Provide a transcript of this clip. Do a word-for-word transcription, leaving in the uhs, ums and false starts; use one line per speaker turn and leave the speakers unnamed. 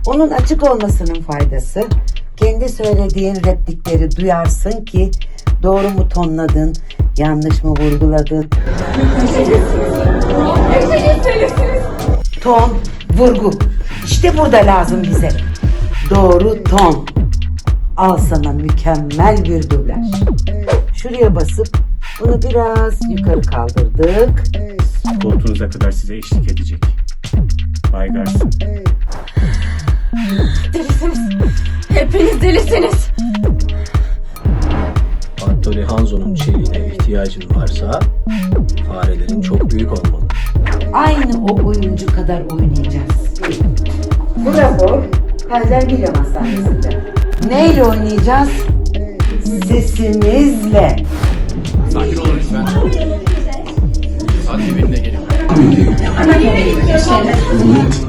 Onun açık olmasının faydası, kendi söylediğin replikleri duyarsın ki doğru mu tonladın, yanlış mı vurguladın? Ton, vurgu. İşte burada lazım bize. Doğru ton. Al sana mükemmel bir dublaj. Şuraya basıp bunu biraz yukarı kaldırdık.
Koltuğunuza kadar size eşlik edecek. Bay Garson.
Delisiniz. Hepiniz delisiniz.
Anthony Hanzo'nun çeliğine ihtiyacın varsa farelerin çok büyük olmalı.
Aynı o oyuncu kadar oynayacağız. Bu rapor Kaiser William Hastanesi'nde. Neyle oynayacağız? Sesimizle.
Sakin olun lütfen. Hadi benimle gelin.